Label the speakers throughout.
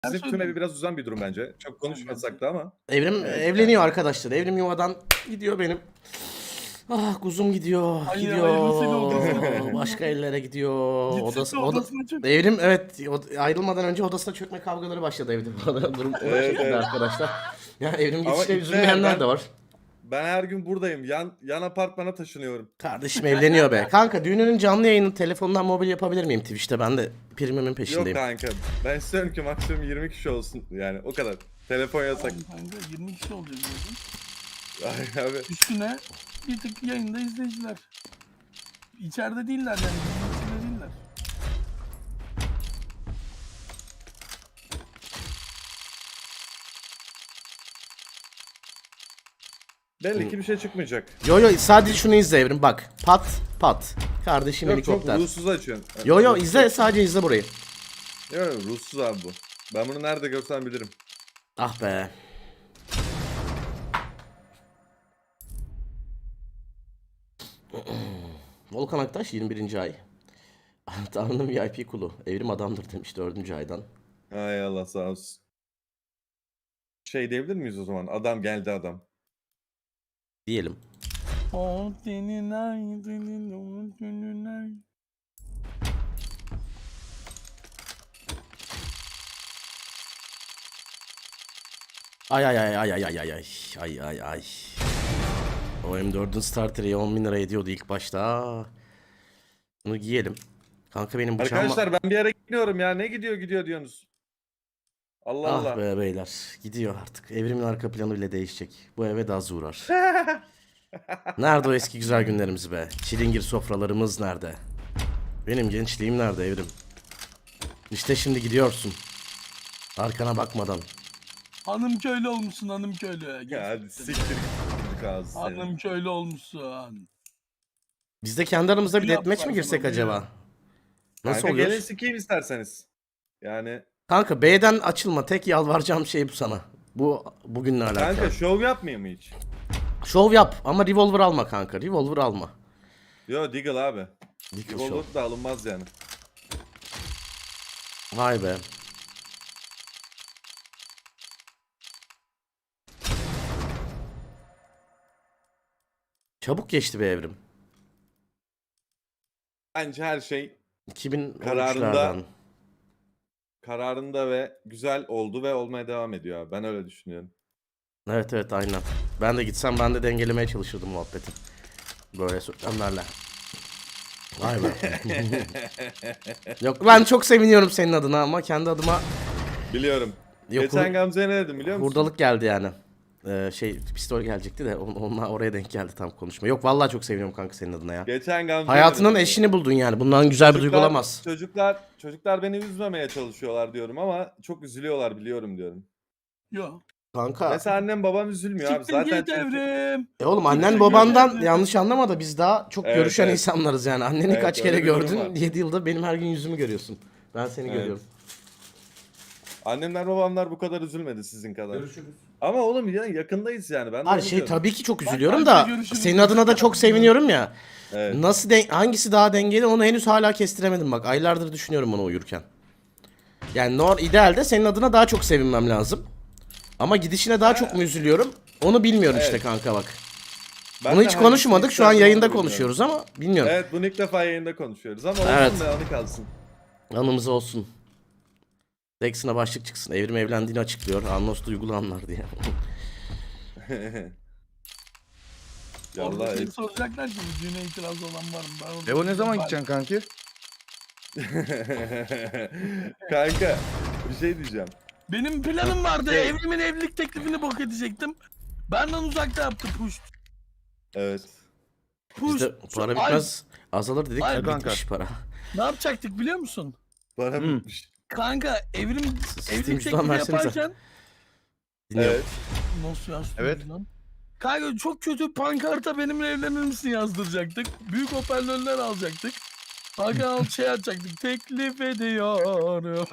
Speaker 1: Sizin tüm evi biraz uzan bir durum bence. Çok konuşmasak da ama.
Speaker 2: Evrim
Speaker 1: Evet,
Speaker 2: evleniyor arkadaşlar. Evrim yuvadan gidiyor benim. Ah kuzum gidiyor.
Speaker 3: Hayırlısıyla odasına
Speaker 2: Gidiyor.
Speaker 3: çöküyor.
Speaker 2: Başka ellere gidiyor.
Speaker 3: Gitsin de odasına çök.
Speaker 2: Evrim evet ayrılmadan önce odasına çökme kavgaları başladı evde. Durum
Speaker 1: Evet, evet.
Speaker 2: arkadaşlar. Ya Evrim
Speaker 1: Ama
Speaker 2: gidişine
Speaker 1: işte
Speaker 2: üzülmeyenler
Speaker 1: ben-
Speaker 2: de var.
Speaker 1: Ben her gün buradayım. Yan apartmana taşınıyorum.
Speaker 2: Kardeşim evleniyor be. Kanka düğününün canlı yayını telefondan mobil yapabilir miyim Twitch'te? Ben de primimin
Speaker 1: Yok
Speaker 2: peşindeyim.
Speaker 1: kanka. Ben istiyorum ki maksimum 20 kişi olsun. Yani o kadar. Telefon yasak.
Speaker 3: Kanka 20 kişi olacak diyordun.
Speaker 1: Ay abi.
Speaker 3: Üstüne bir tık yayında izleyiciler. İçeride değiller yani. İçeride değiller.
Speaker 1: Belli ki bir şey çıkmayacak.
Speaker 2: Yo sadece şunu izle Evrim bak. Pat pat. Kardeşim
Speaker 1: Yok çok
Speaker 2: helikopter.
Speaker 1: ruhsuz açıyorsun.
Speaker 2: Yo izle sadece izle burayı.
Speaker 1: Yok ruhsuz abi bu. Ben bunu nerede görsem bilirim.
Speaker 2: Ah be. Volkan Aktaş 21. ay. Tanrı'nın VIP kulu. Evrim adamdır demiş 4. aydan.
Speaker 1: Hay Allah sağ olsun. Şey diyebilir miyiz o zaman? Adam geldi adam.
Speaker 2: Diyelim.
Speaker 3: O senin ay, senin ay.
Speaker 2: Ay. O M4'ün starter'i 10.000 lira ediyordu ilk başta. Bunu giyelim. Kanka benim bıçağım...
Speaker 1: Arkadaşlar ben bir yere gidiyorum ya. Ne gidiyor diyorsunuz? Allah
Speaker 2: Ah
Speaker 1: Allah.
Speaker 2: be beyler. Gidiyor artık. Evrimin arka planı bile değişecek. Bu eve de az uğrar. Nerede o eski güzel günlerimiz be? Çilingir sofralarımız nerede? Benim gençliğim nerede Evrim? İşte şimdi gidiyorsun. Arkana bakmadan.
Speaker 3: Hanım köylü olmuşsun hanım köylü.
Speaker 1: Ya hadi siktir git ağzı seni.
Speaker 3: Hanım köylü olmuşsun.
Speaker 2: Biz de kendi aramızda bir
Speaker 3: Yap
Speaker 2: deathmatch mi
Speaker 3: lan
Speaker 2: girsek
Speaker 3: sana,
Speaker 2: acaba? Nasıl
Speaker 1: Kanka
Speaker 2: oluyor?
Speaker 1: gelin sikeyim isterseniz. Yani
Speaker 2: Kanka B'den açılma. Tek yalvaracağım şey bu sana. Bu bugünle alakalı.
Speaker 1: kanka şov yapmayayım mı hiç?
Speaker 2: Şov yap ama revolver alma kanka. Revolver alma.
Speaker 1: Yo Deagle abi.
Speaker 2: Deagle
Speaker 1: Revolver
Speaker 2: şov.
Speaker 1: da alınmaz yani.
Speaker 2: Vay be. Çabuk geçti be Evrim.
Speaker 1: Bence her şey
Speaker 2: 2013'lerden.
Speaker 1: kararında ve güzel oldu ve olmaya devam ediyor abi. Ben öyle düşünüyorum.
Speaker 2: Evet aynen. Ben de gitsem ben de dengelemeye çalışırdım muhabbeti. Böyle söylemlerle. Vay be. Yok ben çok seviniyorum senin adına ama kendi adıma
Speaker 1: Biliyorum.
Speaker 2: yok,
Speaker 1: Geçen Gamze'ye ne dedim biliyor musun?
Speaker 2: hurdalık geldi yani. Pistol gelecekti de onunla oraya denk geldi tam konuşma. Yok vallahi çok seviniyorum kanka senin adına ya.
Speaker 1: Geçen Gamze'ye
Speaker 2: Hayatının
Speaker 1: dedim.
Speaker 2: eşini buldun yani. Bundan güzel bir duygu olamaz.
Speaker 1: Çocuklar beni üzmemeye çalışıyorlar diyorum ama çok üzülüyorlar biliyorum diyorum.
Speaker 3: Yok.
Speaker 2: Kanka.
Speaker 1: Mesela annem babam üzülmüyor abi.
Speaker 3: Siktir
Speaker 1: Zaten
Speaker 3: git Evrim.
Speaker 2: Oğlum annen
Speaker 3: Siktir
Speaker 2: babandan
Speaker 3: git.
Speaker 2: yanlış anlama da biz daha çok
Speaker 1: Evet,
Speaker 2: görüşen
Speaker 1: evet.
Speaker 2: insanlarız yani. Anneni
Speaker 1: Evet,
Speaker 2: kaç
Speaker 1: öyle
Speaker 2: kere
Speaker 1: bir durum
Speaker 2: gördün?
Speaker 1: var.
Speaker 2: 7 yılda benim her gün yüzümü görüyorsun. Ben seni
Speaker 1: Evet.
Speaker 2: görüyorum.
Speaker 1: Annemler babamlar bu kadar üzülmedi sizin kadar. Ama oğlum ya yakındayız yani. Ben de
Speaker 2: Her
Speaker 1: onu
Speaker 2: şey
Speaker 1: diyorum.
Speaker 2: tabii ki çok
Speaker 3: Bak,
Speaker 2: üzülüyorum
Speaker 3: bence
Speaker 2: da
Speaker 3: görüşürüz.
Speaker 2: senin adına da çok seviniyorum ya.
Speaker 1: Evet.
Speaker 2: Nasıl hangisi daha dengeli onu henüz hala kestiremedim bak. Aylardır düşünüyorum bunu uyurken. Yani idealde senin adına daha çok sevinmem lazım. Ama gidişine daha çok mu üzülüyorum? Onu bilmiyorum işte
Speaker 1: Evet.
Speaker 2: kanka bak.
Speaker 1: Ben
Speaker 2: Bunu
Speaker 1: de
Speaker 2: hiç
Speaker 1: hangisini
Speaker 2: konuşmadık. Şu an
Speaker 1: isterdim
Speaker 2: yayında
Speaker 1: onu bilmiyorum.
Speaker 2: konuşuyoruz ama bilmiyorum.
Speaker 1: Evet bunu ilk defa yayında konuşuyoruz ama
Speaker 2: Evet.
Speaker 1: olsun da anı kalsın.
Speaker 2: Anımız olsun. Dex'ine başlık çıksın. Evrim evlendiğini açıklıyor. Anlos duygulu anlar diye.
Speaker 3: Orada
Speaker 1: Yallah.
Speaker 3: seni soracaklar ki bu düğüne itiraz olan var mı? Ben orada
Speaker 4: Evo ne zaman
Speaker 3: ben-
Speaker 4: gideceksin kanki?
Speaker 1: Kanka bir şey diyeceğim.
Speaker 3: Benim planım vardı. Evrimin evlilik teklifini bok edecektim. Benden uzakta yaptı push.
Speaker 1: Evet.
Speaker 3: Push.
Speaker 2: Bizde para bitmez. Azalır dedik.
Speaker 3: Ay
Speaker 2: Ya
Speaker 4: kanka.
Speaker 2: bitmiş para.
Speaker 3: Ne yapacaktık biliyor musun?
Speaker 1: Bana
Speaker 4: Hmm.
Speaker 1: bitmiş.
Speaker 3: Kanka evrim
Speaker 2: Steam
Speaker 3: evlilik
Speaker 2: cüzdan
Speaker 3: teklifi
Speaker 2: versenize.
Speaker 3: yaparken
Speaker 2: Dinliyorum.
Speaker 1: Evet.
Speaker 3: nasıl yazdın
Speaker 4: Evet.
Speaker 3: lan? Kanka çok kötü pankarta benimle evlenir misin yazdıracaktık. Büyük hoparlörler alacaktık. Hakan şey açacaktık. Teklif ediyorum.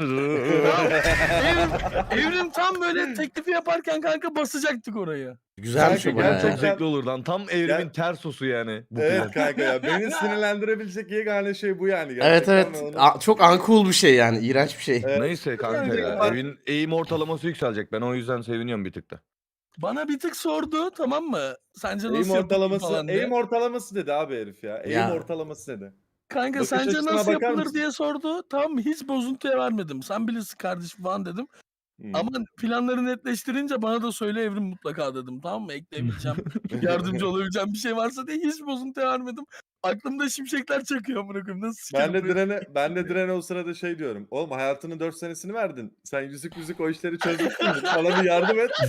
Speaker 3: Evrim tam böyle teklifi yaparken kanka basacaktık oraya.
Speaker 2: Güzelmiş o
Speaker 1: Kanka,
Speaker 2: baya.
Speaker 1: gerçekten-
Speaker 4: Çok zevkli olur lan. Tam evrimin ters sosu yani. Bu
Speaker 1: Evet
Speaker 4: plan.
Speaker 1: kanka ya. Beni sinirlendirebilecek yegane şey bu yani.
Speaker 2: Evet
Speaker 1: Gerçekten
Speaker 2: evet.
Speaker 1: ben onu-
Speaker 2: Çok uncool bir şey yani. İğrenç bir şey.
Speaker 1: Evet.
Speaker 4: Neyse kanka ya. Evin eğim ortalaması yükselecek. Ben o yüzden seviniyorum bir tık da.
Speaker 3: Bana bir tık sordu, tamam mı? Sence
Speaker 1: Eğim
Speaker 3: nasıl yapılır
Speaker 1: ortalaması,
Speaker 3: falan diye.
Speaker 1: eğim ortalaması dedi abi herif ya. Eğim
Speaker 2: Ya.
Speaker 1: ortalaması dedi.
Speaker 3: Kanka
Speaker 1: Bakış
Speaker 3: sence
Speaker 1: açısına
Speaker 3: nasıl
Speaker 1: bakar
Speaker 3: yapılır
Speaker 1: mısın?
Speaker 3: diye sordu. Tamam mı? Hiç bozuntuya vermedim. Sen bilirsin kardeşim falan dedim.
Speaker 1: Hmm.
Speaker 3: Ama planları netleştirince bana da söyle Evrim mutlaka dedim. Tamam mı? Ekleyebileceğim, yardımcı olabileceğim bir şey varsa diye hiç bozuntuya vermedim. Aklımda şimşekler çakıyor bırakıyorum. Nasıl
Speaker 1: Ben de
Speaker 3: sikerim
Speaker 1: direne o sırada şey diyorum. Oğlum hayatının 4 senesini verdin. Sen yüzük o işleri çözmüşsün. Bana bir yardım et.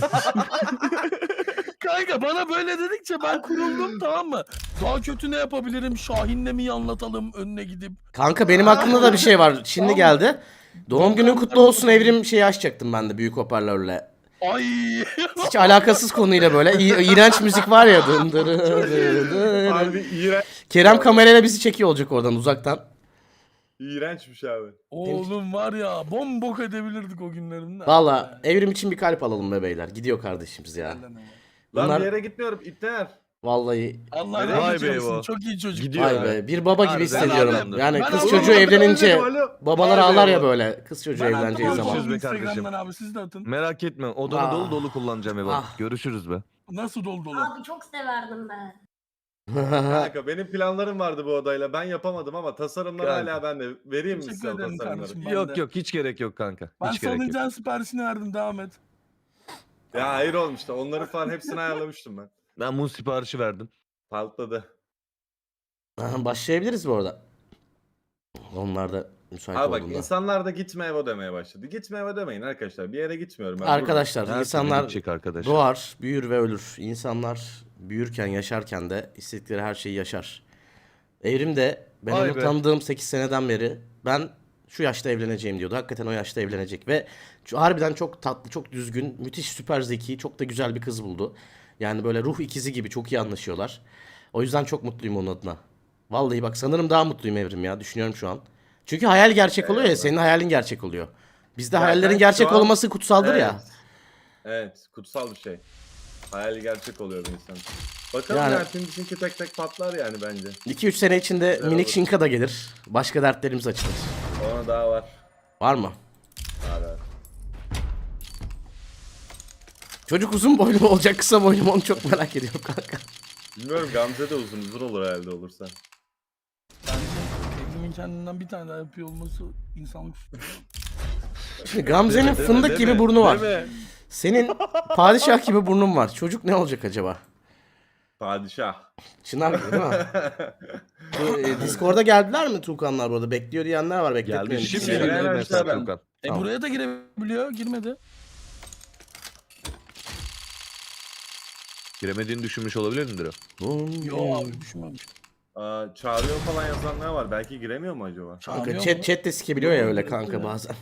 Speaker 3: Kanka bana böyle dedikçe ben kuruldum, tamam mı? Daha kötü ne yapabilirim? Şahin'le mi anlatalım önüne gidip?
Speaker 2: Kanka benim aklımda da bir şey var. Şimdi geldi. Doğum günün kutlu olsun Evrim şeyi açacaktım ben de büyük hoparlörle.
Speaker 3: Ay.
Speaker 2: Hiç alakasız konuyla böyle. İğrenç müzik var ya. Dın dırı dırı.
Speaker 1: Harbi iğrenç,
Speaker 2: Kerem kamerayla bizi çekiyor olacak oradan uzaktan.
Speaker 1: iğrençmiş abi.
Speaker 3: Oğlum var ya bombok edebilirdik o günlerinde.
Speaker 2: Valla Evrim için bir kalp alalım be beyler. Gidiyor kardeşimiz ya.
Speaker 1: Lan
Speaker 2: Bunlar
Speaker 1: bir yere gitmiyorum. İpneler.
Speaker 2: vallahi
Speaker 3: Allah
Speaker 4: Vay
Speaker 3: rahmet
Speaker 4: be
Speaker 3: eylesin.
Speaker 4: bu.
Speaker 3: Çok iyi çocuk.
Speaker 4: Gidiyor
Speaker 2: vay
Speaker 4: be.
Speaker 2: be bir baba gibi
Speaker 4: Harbiden
Speaker 2: hissediyorum.
Speaker 4: adamdır.
Speaker 2: Yani
Speaker 3: Ben
Speaker 2: kız
Speaker 3: Allah'ım
Speaker 2: çocuğu
Speaker 3: ben
Speaker 2: evlenince
Speaker 1: Alo.
Speaker 2: babalar
Speaker 1: Vay be
Speaker 2: ağlar ya
Speaker 1: bu.
Speaker 2: böyle kız çocuğu
Speaker 3: Ben
Speaker 2: evleneceği
Speaker 3: attım
Speaker 2: zaman.
Speaker 4: Görüşürüz be
Speaker 3: Instagram'dan
Speaker 4: kardeşim.
Speaker 3: abi siz de atın.
Speaker 4: Merak etme. Odanı
Speaker 2: Ah.
Speaker 4: dolu dolu kullanacağım Eva.
Speaker 2: Ah.
Speaker 4: Görüşürüz be.
Speaker 3: Nasıl dolu dolu?
Speaker 5: Abi çok severdim ben.
Speaker 1: Kanka benim planlarım vardı bu odayla. Ben yapamadım ama tasarımlar
Speaker 4: Kanka.
Speaker 1: hala bende. Vereyim mi
Speaker 3: Teşekkür
Speaker 1: size o
Speaker 3: ederim
Speaker 1: tasarımları?
Speaker 3: kardeşim. Ben
Speaker 4: Yok
Speaker 3: de.
Speaker 4: yok hiç gerek yok kanka.
Speaker 3: Ben
Speaker 4: Hiç gerek yok.
Speaker 3: salıncağın siparişini verdim, devam et.
Speaker 1: Ya hayır olmuş da onları falan hepsini ayarlamıştım ben.
Speaker 4: Ben muz siparişi verdim.
Speaker 1: Patladı.
Speaker 2: Başlayabiliriz bu arada. Onlar da müsait
Speaker 1: Abi bak
Speaker 2: olduğunda.
Speaker 1: insanlar da gitme Evo demeye başladı. Gitme Evo demeyin arkadaşlar. Bir yere gitmiyorum ben.
Speaker 2: Arkadaşlar
Speaker 4: Her türlü
Speaker 2: insanlar
Speaker 4: gidecek arkadaşlar.
Speaker 2: doğar, büyür ve ölür. İnsanlar büyürken, yaşarken de istedikleri her şeyi yaşar. Evrim de ben
Speaker 4: Vay
Speaker 2: onu
Speaker 4: be.
Speaker 2: tanıdığım 8 seneden beri ben şu yaşta evleneceğim diyordu. Hakikaten o yaşta evlenecek ve harbiden çok tatlı, çok düzgün, müthiş, süper zeki, çok da güzel bir kız buldu. Yani böyle ruh ikizi gibi çok iyi anlaşıyorlar. O yüzden çok mutluyum onun adına. Vallahi bak sanırım daha mutluyum Evrim ya. Düşünüyorum şu an. Çünkü hayal gerçek oluyor ya. Senin hayalin gerçek oluyor. Bizde
Speaker 1: Ya
Speaker 2: hayallerin
Speaker 1: ben
Speaker 2: gerçek
Speaker 1: şu an-
Speaker 2: olması kutsaldır
Speaker 1: Evet.
Speaker 2: ya.
Speaker 1: Evet, kutsal bir şey. Hayali gerçek oluyor bir insan. Bakalım
Speaker 2: Yani-
Speaker 1: ya şimdi bizimki tek tek patlar yani bence.
Speaker 2: 2-3 sene içinde
Speaker 1: Güzel
Speaker 2: minik
Speaker 1: olur.
Speaker 2: şinka da gelir. Başka dertlerimiz açılır.
Speaker 1: Ona daha var.
Speaker 2: Var mı?
Speaker 1: Var.
Speaker 2: Çocuk uzun boylu mu olacak kısa boylu mu onu çok merak ediyorum kanka.
Speaker 1: Bilmiyorum Gamze de uzun olur herhalde olursa.
Speaker 3: Bence Evrim'in kendinden bir tane daha yapıyor olması insanlık suçu.
Speaker 2: Şimdi Gamze'nin
Speaker 4: Deme, deme,
Speaker 2: fındık gibi
Speaker 4: deme,
Speaker 2: burnu var.
Speaker 4: deme.
Speaker 2: Senin padişah gibi burnun var. Çocuk ne olacak acaba?
Speaker 1: Padişah.
Speaker 2: Çınar gibi değil mi? Bu, Discord'a geldiler mi Tuğkanlar burada? Bekliyor diyenler var. Bekletmeyin.
Speaker 4: Geldi. Şimdi
Speaker 1: Şey,
Speaker 4: girdi
Speaker 1: ben
Speaker 4: mesela
Speaker 1: aşağıdan.
Speaker 4: Tuğkan.
Speaker 2: Tamam.
Speaker 3: Buraya da girebiliyor, girmedi.
Speaker 4: Giremediğini düşünmüş olabilir midir o?
Speaker 3: Yo abi düşünmemiş.
Speaker 1: Çağırıyor falan yazanlar var. Belki giremiyor mu acaba?
Speaker 2: Kanka
Speaker 3: Çağırıyor
Speaker 2: chat de sikebiliyor ya öyle
Speaker 3: Evet,
Speaker 2: kanka
Speaker 3: evet.
Speaker 2: bazen.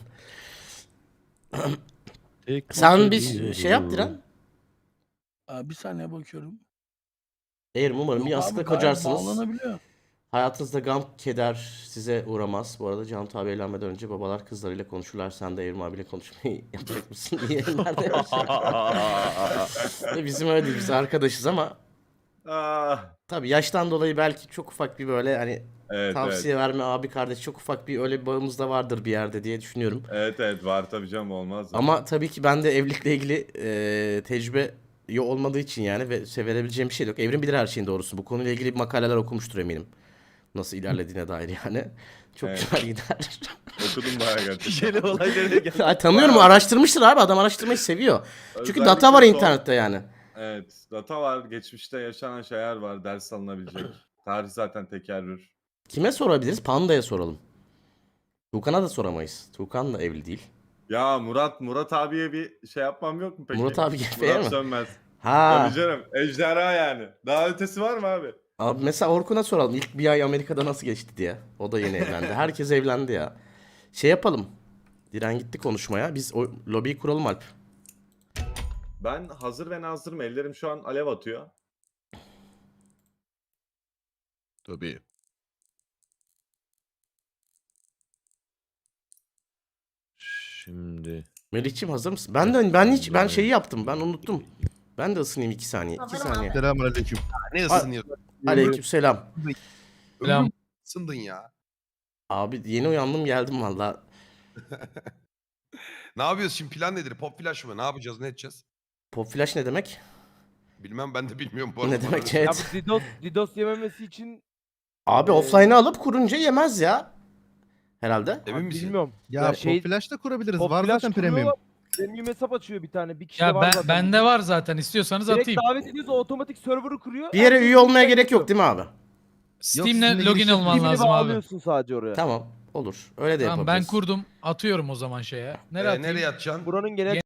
Speaker 2: Sen bir şey yap Diren.
Speaker 3: Bir saniye bakıyorum.
Speaker 2: Eğer umarım
Speaker 3: Yok
Speaker 2: bir
Speaker 3: abi,
Speaker 2: yastıkla
Speaker 3: gayet
Speaker 2: kocarsınız.
Speaker 3: bağlanabiliyor.
Speaker 2: Hayatınızda gam, keder size uğramaz. Bu arada Can abi evlenmeden önce babalar kızlarıyla konuşurlar. Sen de Evrim abiyle konuşmayı yapacak mısın diye nerede yaşıyor? Bizim öyle değil. Biz arkadaşız ama
Speaker 1: Ah,
Speaker 2: tabii yaştan dolayı belki çok ufak bir böyle hani
Speaker 1: evet,
Speaker 2: tavsiye verme abi kardeş çok ufak bir öyle bir bağımız da vardır bir yerde diye düşünüyorum.
Speaker 1: evet var tabii canım olmaz mı?
Speaker 2: Ama tabii ki ben de evlilikle ilgili tecrübe olmadığı için yani ve verebileceğim bir şey de yok. Evrim bilir her şeyin doğrusu. Bu konuyla ilgili makaleler okumuştur eminim. Nasıl ilerlediğine dair yani. Çok
Speaker 1: Evet.
Speaker 2: güzel gider.
Speaker 1: Okudum bayağı gerçekten.
Speaker 4: Yeni olaylara gel.
Speaker 2: Ay, tanıyorum araştırmıştır abi adam araştırmayı seviyor. Çünkü
Speaker 1: Özellikle
Speaker 2: data var
Speaker 1: son-
Speaker 2: internette yani.
Speaker 1: Evet, data var, geçmişte yaşanan şeyler var, ders alınabilecek. Tarih zaten tekerrür.
Speaker 2: Kime sorabiliriz? Panda'ya soralım. Tuğkan'a da soramayız. Tuğkan da evli değil.
Speaker 1: Ya Murat abiye bir şey yapmam yok mu peki?
Speaker 2: Murat abi GF'ye
Speaker 1: Murat
Speaker 2: mi?
Speaker 1: Sönmez.
Speaker 2: Ha.
Speaker 1: Tabii canım, ejderha yani. Daha ötesi var mı abi?
Speaker 2: Abi mesela Orkun'a soralım. İlk bir ay Amerika'da nasıl geçti diye. O da yeni evlendi. Herkes evlendi ya. Şey yapalım. Diren gitti konuşmaya. Biz o lobiyi kuralım Alp.
Speaker 1: Ben hazır ve nazırım. Ellerim şu an alev atıyor.
Speaker 4: Tabii. Şimdi.
Speaker 2: Melih'ciğim hazır mısın? Ben şeyi yaptım. Ben unuttum. Ben de ısınayım 2 saniye. 2 saniye.
Speaker 5: Selamünaleyküm. Ne ısınıyorsun?
Speaker 2: Aleykümselam.
Speaker 6: Selam.
Speaker 5: Ömrüm ısındın ya.
Speaker 2: Abi yeni uyandım geldim valla.
Speaker 5: Ne yapıyoruz şimdi, plan nedir? Pop flash mı? Ne yapacağız, ne edeceğiz?
Speaker 2: Pop flash ne demek?
Speaker 5: Bilmem, ben de bilmiyorum bu arada.
Speaker 2: Ne demek
Speaker 5: Bana-
Speaker 7: Ya
Speaker 2: chat?
Speaker 7: bu DDoS yememesi için
Speaker 2: Abi offline'ı alıp kurunca yemez ya. Herhalde.
Speaker 5: Emin misin?
Speaker 7: bilmiyorum.
Speaker 6: Ya,
Speaker 7: şey-
Speaker 6: Pop Flash da kurabiliriz.
Speaker 7: Pop
Speaker 6: Var
Speaker 7: Flash
Speaker 6: zaten
Speaker 7: kuruyor,
Speaker 6: premium.
Speaker 7: Premium hesap açıyor bir tane. Bir kişi de
Speaker 8: Ya
Speaker 7: var zaten.
Speaker 8: bende var zaten. İstiyorsanız
Speaker 7: Direkt
Speaker 8: atayım.
Speaker 7: davet ediyorsa otomatik server'ı kuruyor.
Speaker 2: Bir yere
Speaker 7: Herkes
Speaker 2: üye olmaya
Speaker 7: direkt
Speaker 2: gerek yok
Speaker 7: yapıyor.
Speaker 2: değil mi abi?
Speaker 8: Steam'le
Speaker 6: sizinle
Speaker 8: login
Speaker 6: giriş
Speaker 8: olman
Speaker 7: Kimini
Speaker 8: lazım abi.
Speaker 7: bağlıyorsun sadece oraya.
Speaker 2: Tamam olur. Öyle de
Speaker 8: Tamam ben
Speaker 2: yapabiliriz.
Speaker 8: kurdum. Atıyorum o zaman şeye. Nereye atayım?
Speaker 5: Nereye atacaksın?
Speaker 7: Buranın genel